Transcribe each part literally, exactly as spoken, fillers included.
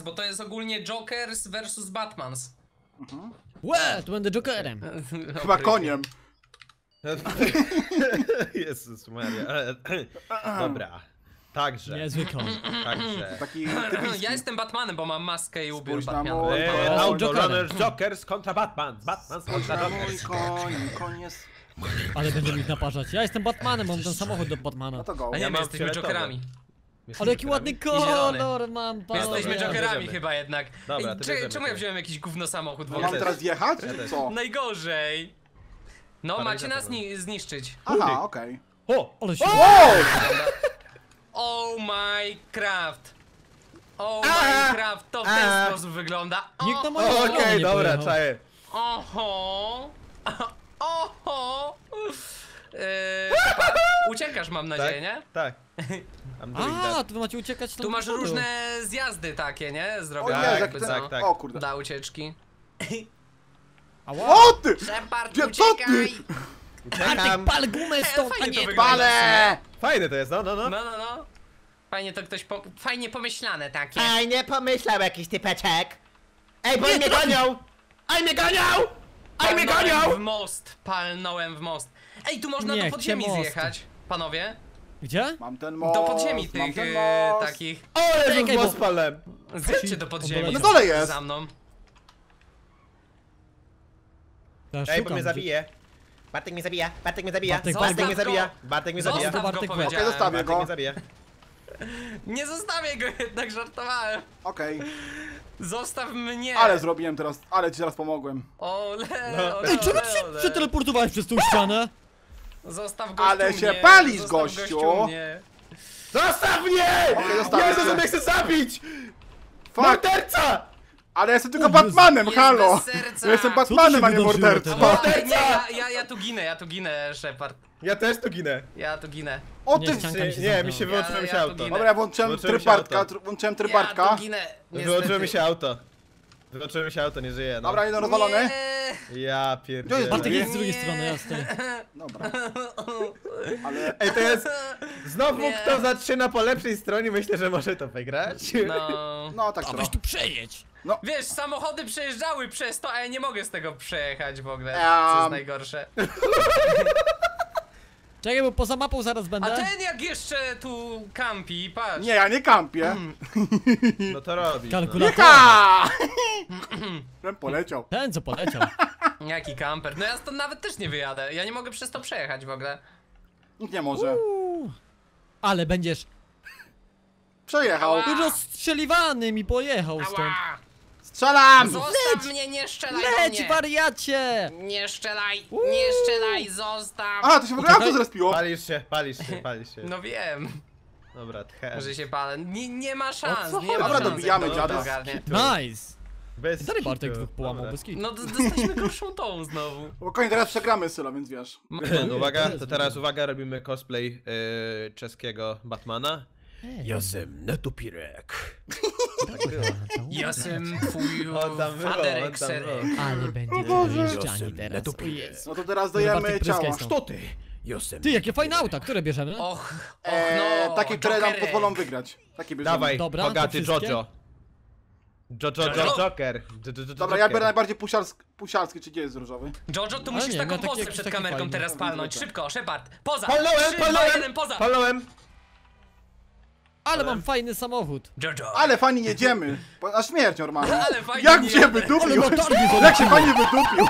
bo to jest ogólnie Jokers versus Batmans. Mhm. Łe, tu będę Jokerem. Chyba koniem. Jezus Maria. Dobra. Także. Niezły koń. Także. Taki Ja typiski. jestem Batmanem, bo mam maskę i ubiór Spójrz na Batmana. mój Eee, Ja Auto Jokerem. Runners Jokers kontra Batman. Batman Spójrz kontra na mój Jokers. koń, koń jest... Ale będę ich naparzać. Ja jestem Batmanem, mam ten samochód do Batmana. No to go. A nie, Ja my mam jesteśmy fioletowy. Jokerami. Ale jaki ładny zielony. kolor mam, My panowie. jesteśmy Dobra, Jokerami bierzemy. chyba jednak. Dobra, Ej, to cze- bierzemy czemu ja to. wziąłem jakiś gówno samochód w No ogóle? mamy teraz jechać? Ja Czy też. co? Najgorzej. No, macie Paralizator nas ni zniszczyć. Aha, okej. O! Ale się... Wow! Oh my craft. Oh A! my craft, to w ten A! sposób wygląda. Nikt na O, moją Okej, stronę nie dobra, pojechał. czaję. Oho. Oho. Eee, pa- uciekasz, mam nadzieję, nie? Tak. I'm doing A, that. to wy macie uciekać Tu masz różne zjazdy takie, nie? O Zrobione Jezu, jak jakby ten... co. tak, tak. O kurde. Dla ucieczki. Ała. O ty! Shepard, Gdzie- co ty? uciekaj! Bartek, Uciekam. pal gumę stąd, a fajnie to nie... wygląda. Pale! Fajne to jest, no, no, no. No, no, no. Fajnie to ktoś po... Fajnie pomyślane takie. Ej, nie pomyślał jakiś typeczek. Ej, bo Nie, mnie trafi- gonią! Ej, mnie gonią! Ej, mnie Palnąłem gonią! w most, palnąłem w most. Ej, tu można Nie, do chcę podziemi mostu. zjechać, panowie. Gdzie? Mam ten most, Do podziemi mam tych ten e, most. takich. O, Jezus, Czekaj, bo- most palem. Zjedźcie do podziemi. Na dole jest. Za mną. Ja Ej, bo szukam, mnie gdzie- zabije. Bartek mnie zabija, Bartek mnie zabija, Bartek, Bartek, Zostaw mnie go. zabija. Bartek mnie zabija. Zostaw go, Bartek, powiedziałem. Okej, zostawię Bartek go. mnie zabija. Nie zostawię go jednak, żartowałem. Okej. Zostaw mnie. Ale zrobiłem teraz, ale ci teraz pomogłem. Ole, No. ole, Ej, czemu ty ole, się ole. przeteleportowałeś przez tą ścianę? Zostaw gościu Ale się mnie. palisz, Zostaw gościu. mnie. Zostaw mnie! Okej, zostawię Jezus, cię. on mnie chce zabić! Fuck! Morderca! Ale ja jestem tylko O Jezu. Batmanem, Jest halo! bez serca. Ja jestem Co tu się Batmanem, a nie wydarzyło mordercą. teraz? O, nie, ja, ja, ja tu ginę, ja tu ginę, Shepard. Ja też tu ginę. Ja tu ginę. O Nie, ty! ścianka Nie, mi się nie, zamknęła. mi się Ja- wyłączyło mi się ja tu auto. ginę. Dobra, ja włączyłem Włączyłem tryb się auto. Bartka, tr- włączyłem tryb Ja Bartka. tu ginę. Wyłączyło niestety. mi się auto. Wyłączyło mi się auto, nie żyje, no. Dobra, jeden rozwalony. Nie. Ja Gdzie jest pierdolę. Bartek Nie. jest z drugiej strony, ja stoję. Dobra. Ale... Ej, to jest... Znowu Nie. kto zaczyna po lepszej stronie, myślę, że może to wygrać. No. No tak A weź trochę. tu przejedź! Wiesz, samochody przejeżdżały przez to, a ja nie mogę z tego przejechać w ogóle, co Em. jest najgorsze. Czekaj, bo poza mapą zaraz A będę. ten jak jeszcze tu kampi, patrz. Nie, ja nie kampię. No to robisz. No. Kalkulator. Jaka! Ten poleciał. Ten co poleciał. Jaki kamper? No ja stąd nawet też nie wyjadę. Ja nie mogę przez to przejechać w ogóle. Nikt nie może. Uuu. Ale będziesz Przejechał. Ała. rozstrzeliwany mi pojechał stąd. Ała! Strzelam! Zostaw mnie, nie strzelaj do Leć, mnie! wariacie! Nie strzelaj, nie strzelaj, zostaw! A, to się w ogóle auto zrespiło. Palisz się, palisz się, palisz się. No wiem, Dobra, tchę. że się palę. Nie, nie ma szans, O co nie ma chodzi? Dobra, szans. dobijamy jak to dziada. ogarnie. Nice! Bez Stary Bartek kitu. dwóch połamał Dobra. bez kitu. No d- dostaliśmy gorszą tą znowu. Spokojnie, teraz przegramy Sylo, więc wiesz. No, uwaga, to teraz uwaga, robimy cosplay yy, czeskiego Batmana. Jestem Netupirek. Ja jestem twój On tam było, faderek on tam serek. było. Ale będzie Boże. dojeżdżani teraz. O Jezu. No to teraz Bartek, dajemy pryskaj ciała. stąd. Kto ty? Jestem. Ty, jakie fajne auta, które bierzemy? Och, och Eee, no, takie, które nam Jokerek. pozwolą wygrać. Takie bierzemy. Dawaj, Dobra, to bogaty wszystkie? Jojo. Jojo, Jojo? Jojo, Joker. Jo- jo- jo- Dobra, ja biorę Joker. najbardziej pusialski, pusialski, czy gdzie jest różowy? Jojo, tu Ale musisz nie, taką ja taki postę jakiś przed taki kamerką fajny. teraz palnąć. Zwykle. Szybko, Shepard, poza! Palnąłem, trzy, dwa, palnąłem, jeden, poza! palnąłem. Ale mam fajny samochód. Jojo! Ale fajnie jedziemy. Po- Na śmierć normalnie. Ale fajnie Jak nie się jadę. wydupił? Ale latarnie Jak się fajnie wydupił?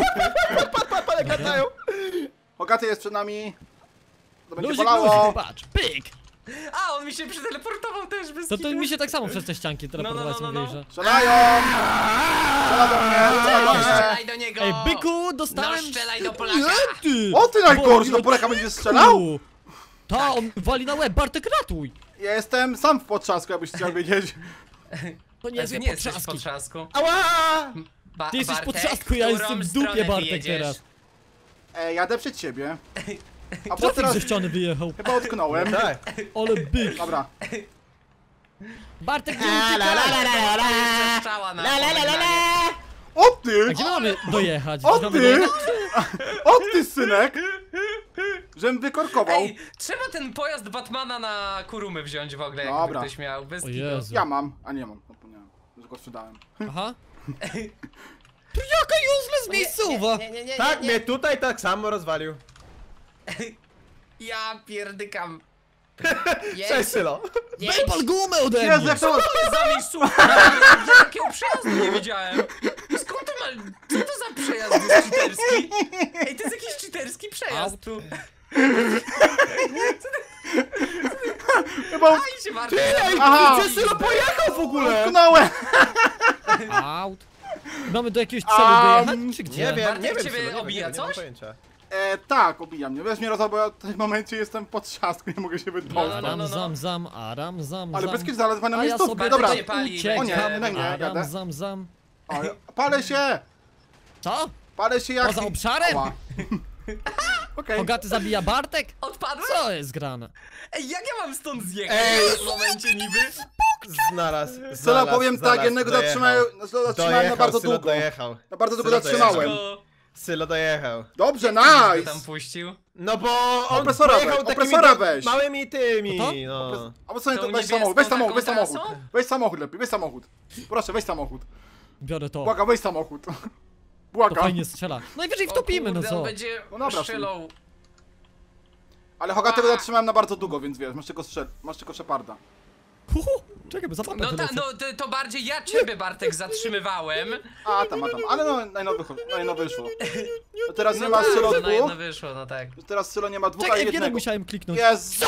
Ale gadają. Hogaty jest przed nami. To będzie Luzik, bolało. luzik, patrz, pyk! A, on mi się przeteleportował też bez To, to kitu. mi się tak samo przez te ścianki no, no, teleportować no, no. mówili, że... Strzelają! Strzela do mnie, strzela do Nie mnie. strzelaj do niego! Ej, byku, No dostałem... strzelaj do Polaka! Nie, ty! O ty najgorszy, Bo- do Polaka będziesz strzelał? Ta, on wali na łeb, Bartek ratuj! Ja jestem sam w potrzasku, jakbyś chciał wiedzieć. To nie Nie, jest ty nie jesteś w potrzaski. potrzasku. Ała! Ba Ty jesteś w Bartek, potrzasku, ja w jestem którą w dupie, stronę Bartek, wyjedziesz? teraz. E, jadę przed siebie. A po Trafik teraz ze ściany wyjechał. chyba utknąłem. Tak. Ale byk. Dobra. Bartek, nie La la la uciekaj! la la la Strzała na la la la la pożegnanie. la. O ty! A gdzie my mamy dojechać? O Gdzie mamy ty! dojechać? O ty, synek! Żem wykorkował. Ej, trzeba ten pojazd Batmana na Kurumy wziąć w ogóle, jakby Dobra. ktoś miał. Bez O kitu. Jezu. Ja mam, a nie mam. Zapomniałem. że go sprzedałem. Aha. To jaka useless miejscowa! Nie, nie, nie, nie, Tak, nie, mnie nie. tutaj tak samo rozwalił. Ja pierdykam. Cześć, Sylo. Wypal gumę ode Jezu, mnie! jak to... Za miejscówka? Ja takiego przejazdu nie widziałem. Skąd ty masz... Co to za przejazd jest cheaterski? Ej, to jest jakiś cheaterski przejazd Aut. tu. Chyba Aj się Martin. Aha. Gdzie Sylo pojechał w ogóle? utknąłem! Aut. Mamy do jakiegoś celu Am, dojechać, czy gdzie? Nie wiem, Bartek nie wiem, ciebie Sylo, nie wiem, obija nie wiem, nie mam coś? pojęcia. E, tak, obija mnie. Weź mnie rozwal, bo ja w tym momencie jestem pod siastką, nie mogę się No, wydostać. no, no, Aram no. zam zam, aram zam Ale zam. bez kiedy zaledwa na A ja miejscówkę, sobie dobra. Bartek nie pali, uciekam, O nie, no nie, aram jadę. zam zam. O, palę się! Co? Palę się jak... Poza obszarem? Ała. Okej. Hogaty zabija Bartek? Odpadłeś? Co jest grane? Ej, jak ja mam stąd zjechać Ej. w tym momencie niby? Znalazł, Sylo, znalazł, powiem tak, znalazł, jednego dojechał. zatrzymałem, no, zatrzymałem na Dojechał, bardzo Sylo długo. dojechał. Na bardzo długo Sylo zatrzymałem. Go. Sylo dojechał. Dobrze, Go nice! tam puścił. No bo on Opresora pojechał weź, takimi opresora do- weź. małymi tymi, No to? no. Albo co, Tą to weź niebieską samochód, weź samochód, weź taką samochód. trasą? Weź samochód lepiej, weź samochód. Proszę, weź samochód. Biorę to. Błagam, weź samochód. To Błagam. fajnie strzela. Najwyżej wtopimy, O no kurde, co? on będzie No dobra, strzelał. Ale Hogatego zatrzymałem na bardzo długo, więc wiesz, masz tylko, strzel... masz tylko Sheparda. Huhu, czekaj, bo za mapę No, ta, wylecę. no to, to bardziej ja ciebie, Bartek, zatrzymywałem. A, tam, a tam. Ale no, najnowy, najno wyszło. No teraz nie No ma tak, Sylo to na jedno dwóch. wyszło, no tak. Teraz Sylo nie ma dwóch, a Czekaj, F jeden jednego. musiałem kliknąć. Jest.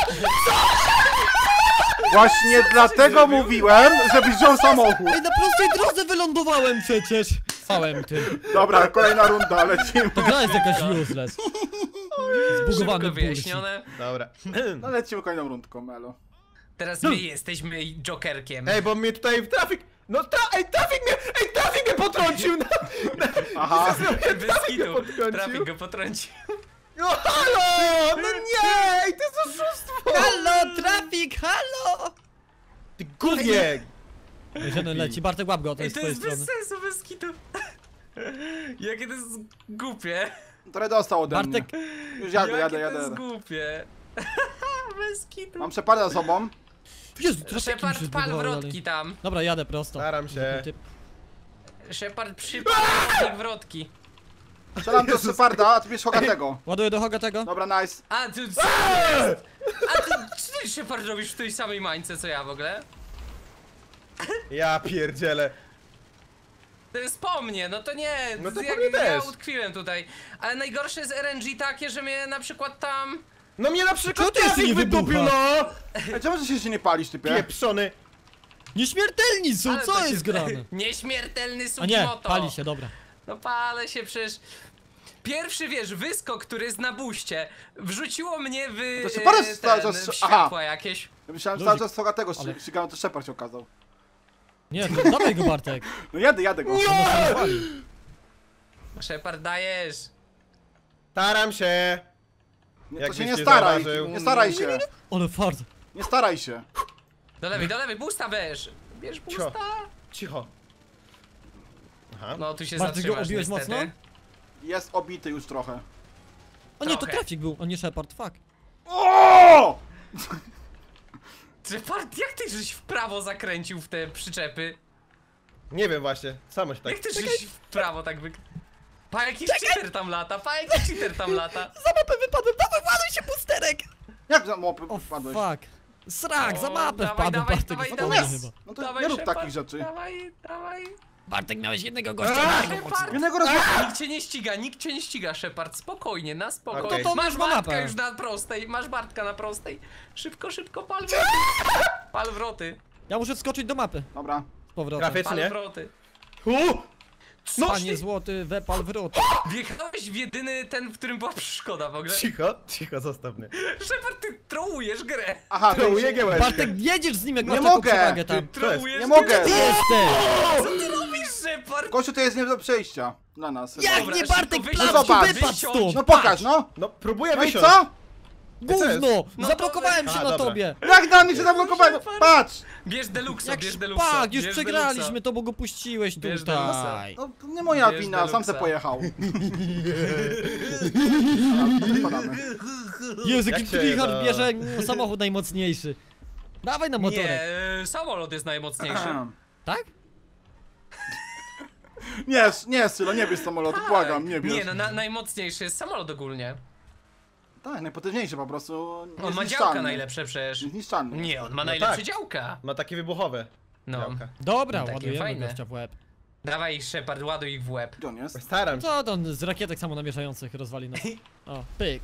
Właśnie dlatego mówiłem, żebyś wziął samochód. Ej, na prostej drodze wylądowałem przecież! Całym tym. Dobra, kolejna runda, lecimy. To gra jest jakaś useless. Zbugowany Szybko bullshit. wyjaśnione. Dobra. No lecimy kolejną rundką, Melo. Teraz my jesteśmy Jokerkiem. Ej, bo mnie tutaj trafik... No tra... Ej, trafik mnie... Ej, trafik mnie potrącił! Na... Na... Aha. Bez kitu. potrącił. Trafik go potrącił. No halo! No nie! Ej, to jest oszustwo! Halo, trafik, halo! Ty gównie! Jeden leci, Bartek łap go, to Ej, jest z to twojej jest bez strony. sensu, bez kitu. Jakie to jest głupie. Trochę dostał ode mnie. Bartek, Już jadę, Jakie jadę, to jadę. jest jadę. głupie. Bez kitu. Mam Sheparda za sobą. Jezu, trafiki mi Shepard, się pal zbugowały wrotki dalej. tam. Dobra, jadę prosto. Staram się. Typ. Shepard przypal tych wrotki. Strzelam do Sheparda, a ty bierz Hogatego. Ładuję do Hogatego. Dobra, nice. A, ty co jest? A ty, czy ty Shepard robisz w tej samej mańce co ja w ogóle? Ja pierdzielę. To jest po mnie, no to nie, No to po jak, mnie ja też. utkwiłem tutaj. Ale najgorsze jest R N G takie, że mnie na przykład tam... No mnie na Czemu przykład ty jeszcze nie trafik wydupił, wybucha? no! Ej, czemu ty się jeszcze nie palisz, typie? Pieprzony. Nieśmiertelni są, Ale co to się- jest grane? Nieśmiertelny A nie, Sugimoto. pali się, dobra. No palę się przecież. Pierwszy, wiesz, wyskok, który jest na buście, wrzuciło mnie w, To się e, parę ten, sta- to- w aha. światła jakieś. Ja myślałem, że Luzik. cały czas Hogatego Ale- ale... ścigałem, to Shepard się okazał. Nie, to dawaj go, Bartek. No jadę, jadę go. On nas rozwali. Shepard, dajesz. Staram się. Nie, Jak to się byś nie nie staraj, zauważył. nie staraj się. Ale fart. Nie staraj się. Do lewej, do lewej, busta bierz. Bierz busta. Cicho. Aha. No, tu się Bartek, go zatrzymasz obiłeś niestety. mocno? Jest obity już trochę. O nie, to Trochę. trafik był, a nie Shepard, fuck. O! Shepard, jak ty żeś w prawo zakręcił w te przyczepy? Nie wiem właśnie, samo się tak... Jak ty żeś w prawo tak wy... Pa, jakiś cheater tam lata, pa, jakiś cheater tam lata. Za mapę wypadłem, dawaj, ładuj się, pusterek! Jak za mopy O wpadłeś? fuck. Srak, za O, mapę dawaj, wpadłem, dawaj, Bartek, dawaj, zapomnij dawaj. chyba. No to Dawaj, nie rób Shepard, takich rzeczy. Dawaj, dawaj. Bartek, miałeś jednego gościa, Eee, jednego Shepard. Jednego razu... Nikt cię nie ściga, nikt cię nie ściga, Shepard, spokojnie, na spokojnie. Okej. To to Masz masz ma Bartka mapę. już na prostej, masz Bartka na prostej. Szybko, szybko, pal wroty. Pal wroty, Ja muszę wskoczyć do mapy. Dobra. Z powrotem. Trafię czy pal nie? wroty. U! No, Panie złoty, wepal wrót. wjechałeś w jedyny ten, w którym była przeszkoda w ogóle. Cicho, cicho, zostaw mnie. Shepard, ty trołujesz grę. Aha, to Trołuję już... giełeczkę. Bartek, jedziesz z nim, jak Nie masz taką mogę. przewagę Ty tam. trołujesz Nie grę. mogę. Ty jesteś! Co ty robisz, Shepard? Kościół to jest nie do przejścia. Dla nas. Jak Dobra, nie, szybko Bartek, wysiądź, plan zobacz, wypadł wysiądź. stąd! No pokaż, no. No, próbuję No i wysiąść. co? Gówno! No Zablokowałem to- się A, na dobra. tobie! Jak na mnie się zablokowałem? Shepard. Patrz! Bierz deluxa, Jak bierz deluxa. szpak, już bierz przegraliśmy to, bo go puściłeś Bierz tutaj. No to nie moja Bierz wina, sam deluxa. se pojechał. Spadamy. Jezu, Jak jaki się Richard da? bierze mm, samochód najmocniejszy. Dawaj na Deluxa. motorek. Nie, y, samolot jest najmocniejszy. Tak? Nie, nie, Sylo, nie bierz samolotu, błagam, nie bierz. Nie no, na, najmocniejszy jest samolot ogólnie. Tak, najpotężniejszy po prostu. On ma niezniszczalny. działka najlepsze przecież. Niezniszczalny. Nie, on ma No najlepsze tak. działka. Ma takie wybuchowe. No. działka. Dobra, Takie ładujemy fajne. gościa w łeb. Dawaj Shepard, ładuj ich w łeb. Gdzie on jest? Staram się. Co to on z rakietek samonamierzających rozwali nas? O, pyk.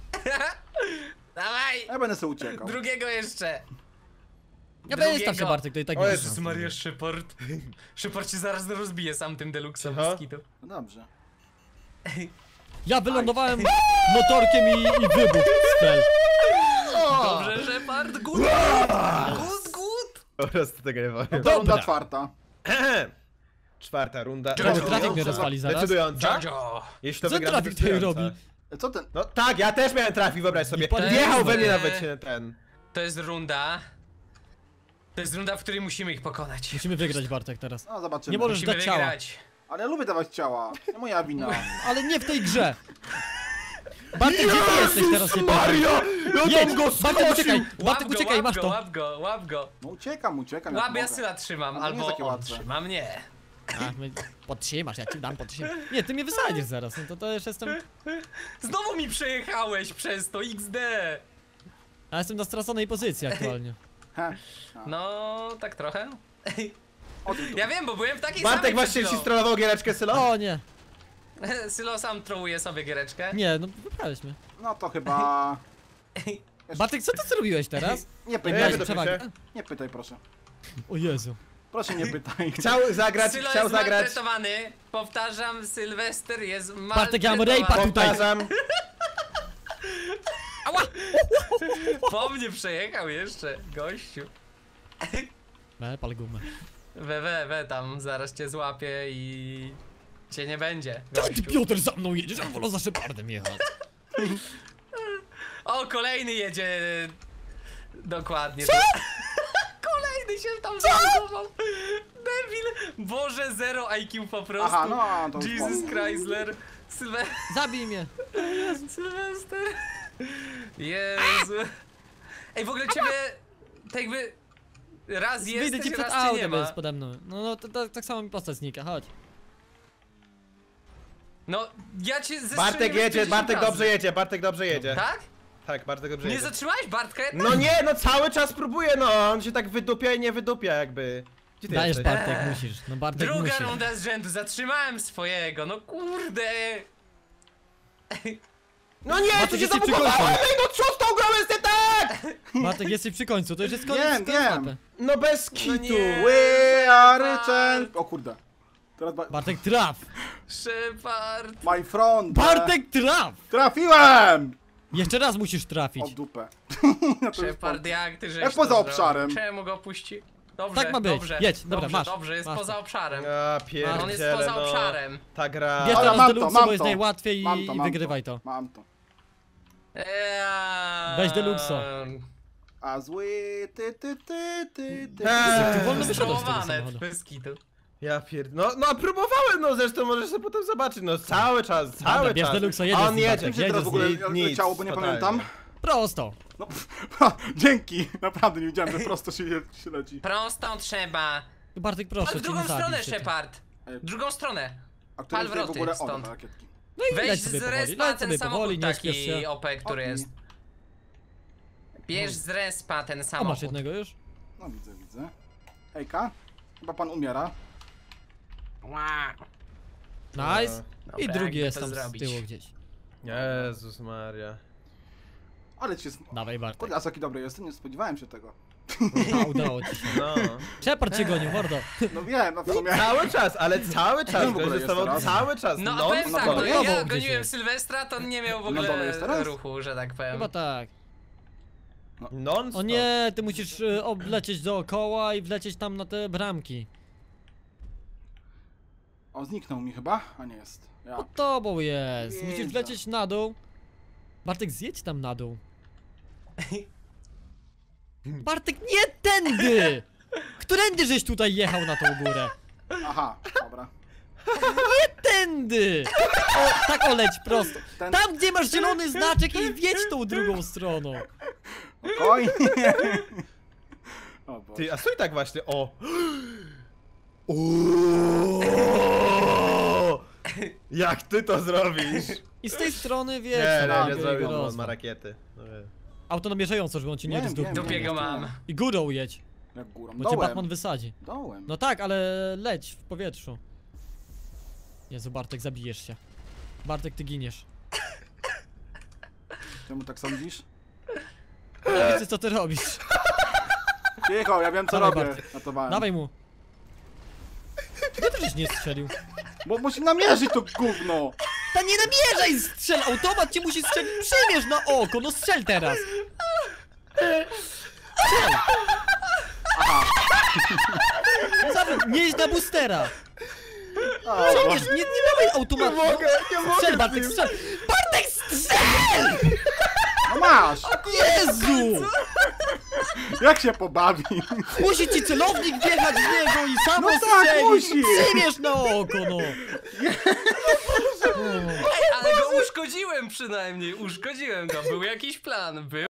Dawaj! Ja będę sobie uciekał. Drugiego jeszcze. Ja Drugiego. wystaw się Bartek, to i tak O nie Jezus wyznam. Maria Shepard. Shepard cię zaraz rozbije sam tym deluxem Cicho. z kitu. No dobrze. Ja wylądowałem motorkiem i, i wybuch spell. Dobrze, Shepard, good, good, good. Po prostu tego nie powiem. To runda Dobra. czwarta. Czwarta runda. Czemu Czemu trafik mnie rozwali zaraz? Decydująca. Jojo. Jeśli to Co wygra, trafik to tutaj decydująca. robi? Co ten? No tak, ja też miałem trafić, wyobraź sobie. I pan- Wjechał we mnie Eee. nawet się ten. To jest runda. To jest runda, w której musimy ich pokonać. Musimy wygrać Bartek teraz. No zobaczymy. Nie możesz Musimy dać ciała. wygrać. Ale ja lubię dawać ciała. Nie moja wina. Ale nie w tej grze. Bartek, gdzie ty jesteś teraz? Nie Mario! Ja Jedź! tam go Bartek, uciekaj! Łap Bartek, go, uciekaj, łap masz go, to! Łap go, łap go. No uciekam, uciekam. jak Łap, ja mogę. Syla trzymam, Ale to nie jest albo takie on łatwe. trzyma mnie. A, my podtrzymasz, ja ci dam podtrzymać. Nie, ty mnie wysadzisz zaraz, no to to już jestem... Znowu mi przejechałeś przez to, iks de. Ja jestem na straconej pozycji aktualnie. He. No, tak trochę. Odwróć to. Ja wiem, bo byłem w takiej Bartek samej właśnie przed ci chwilą. strollował giereczkę, Sylo? O nie, Sylo sam trołuje sobie giereczkę. nie, no wybrałeś mnie. No to chyba... Bartek, co ty zrobiłeś teraz? Nie Nie, pytaj, Miałeś wydobył przewagę. się. nie pytaj proszę. O Jezu. Proszę nie pytaj. Chciał zagrać, Sylo chciał jest zagrać. maltretowany. Powtarzam, Sylwester jest Bartek, ja mam maltretowany. rejpa tutaj. Powtarzam. Ała! Po mnie przejechał jeszcze, gościu. Me, pal gumę. We, we, we, tam zaraz cię złapię i... cię nie będzie, Co ty, gościu. Piotr, za mną jedziesz? Ja wolę za Shepardem jechać. O, kolejny jedzie... Dokładnie. Co? Kolejny się tam zalogował. Debil. Boże, zero I Q po prostu. Aha, no to już Jesus powiem. Chrysler. Sylwe... Zabij mnie. Sylwester. Jezu. Ej, w ogóle ciebie... tak jakby... raz Wyjdę jesteś, ci przed raz cię nie autem, ma. jest pode mną. No, no to, to, tak samo mi postać znika, chodź. No, ja cię zestrzeliłem Bartek jedzie, pięćdziesiąt Bartek razy. dobrze jedzie, Bartek dobrze jedzie. Tak? Tak, Bartek dobrze Nie jedzie. zatrzymałeś Bartka jednak? No nie, no cały czas próbuje, no on się tak wydupia i nie wydupia jakby. Gdzie ty Dajesz, jesteś? Bartek, musisz. No Bartek Druga musi. runda z rzędu, zatrzymałem swojego, no kurde. No nie, Bartek, tu się jesteś przy zablokowałem, końcu. ej no co z tą grą jest nie tak? Bartek, jesteś przy końcu, to już jest koniec Wiem, tej wiem. mapy. No bez No kitu. nie. We are champ... O kurde. Teraz ba... Bartek, traf! Shepard. My front. Bartek, traf! Trafiłem! Jeszcze raz musisz O trafić. dupę. Ja to już Shepard, po- jak ty żeś Jak to poza zrobił? obszarem. Czemu go puści? Dobrze, Tak ma być. dobrze. Jedź, dobra, dobrze, masz. Dobrze, jest Masz poza to. obszarem. A On jest pierdziele, poza no. obszarem. Ta gra. Bierz Dobra, teraz mam to, Deluxe, mam bo jest to. najłatwiej Mam i, to, i mam wygrywaj to. Mam to. Eee, Weź Deluxo. A zły ty ty ty ty ty. Eee. Ty wolno wyszedłeś z tego Strołowane, samochodu. bez kitu. Ja pierd... No, no próbowałem, no zresztą możesz sobie potem zobaczyć, no cały czas, cały Dobra, bierz czas. Deluxa, jedziesz A z on nim, jedzie, Bartek, Gdzie jedziesz teraz w z ogóle nim. Nic, leciało, bo nie totalnie. pamiętam? Prosto. No, dzięki! Naprawdę nie wiedziałem, że prosto się, się leci. Prostą trzeba. Bartek, Ale proszę w cię, nie drugą stronę, zabij się ty. Shepard. Ej, W drugą stronę. A który Pal tutaj w wroty ogóle... O, stąd. dobra, rakietki. No i Weź leć z sobie powoli, respa leć ten sobie powoli, samochód nie śpiesz taki się. O P, który O, jest. Bierz z respa ten O, masz samochód. jednego już? No widzę, widzę. Hejka? Chyba pan umiera. Ła. Nice. Dobra, I drugi jakby jest to tam z zrobić. tyłu gdzieś. Jezus Maria. Ale ci... Dawaj, Bartek. Kurde, a jaki dobry jestem, nie spodziewałem się tego. A, udało ci się. No. Shepard cię gonił, mordo. No wiem, no w sumie... Cały czas, ale cały czas, w ogóle gość jest zostawał teraz? cały czas, No a non powiem no tak, to no, wiadomo, ja gdzieś goniłem jest. Sylwestra, to on nie miał w Na dole ogóle jest teraz? ruchu, że tak powiem. Chyba tak. non O nie, ty musisz y, oblecieć dookoła i wlecieć tam na te bramki. O, zniknął mi chyba? A nie jest. Ja. Pod tobą jest. Musisz Jezu. wlecieć na dół. Bartek, zjedź tam na dół. Bartek, nie tędy! Którędy żeś tutaj jechał na tą górę? Aha, dobra. Tędy! O, tak oleć prosto. Ten- Tam, gdzie masz zielony znaczek i wjedź tą drugą stroną. Oj! O Boże. Ty, a stój tak właśnie, o. Jak ty to zrobisz? I z tej strony, wiesz, Nie, no, nie, nie zrobił, rozwal. on ma rakiety. No wie. Auto namierzające, żeby on ci nie Wiem, rozdupił. wiem, Dupie go wiem, mam. wiem. I górą jedź, Jak górą. bo cię Dołem. Batman wysadzi. Dołem. No tak, ale leć w powietrzu. Jezu, Bartek, zabijesz się. Bartek, ty giniesz. Czemu tak sądzisz? Ja widzę, co ty robisz. Cicho, ja wiem co Dawaj, robię. Bartek. Ratowałem. Dawaj mu. Nie to żeś nie strzelił. Bo musi namierzyć to gówno. Ta nie namierzaj, strzel! Automat cię musi strzelić. Przymierz na oko, no strzel teraz. Strzel. Zawód, nie jedź na boostera. A, Przymierz, nie, nie dawaj automatu. Nie mogę, nie mogę Strzel, z Bartek, nim. strzel. Bartek, strzel! no masz! Jezu! Jak się pobawi? Musi ci celownik wjechać z niego i sam No tak, strzelić. musi. Przymierz na oko, no. Ej, ale go uszkodziłem przynajmniej, uszkodziłem go, był jakiś plan, był.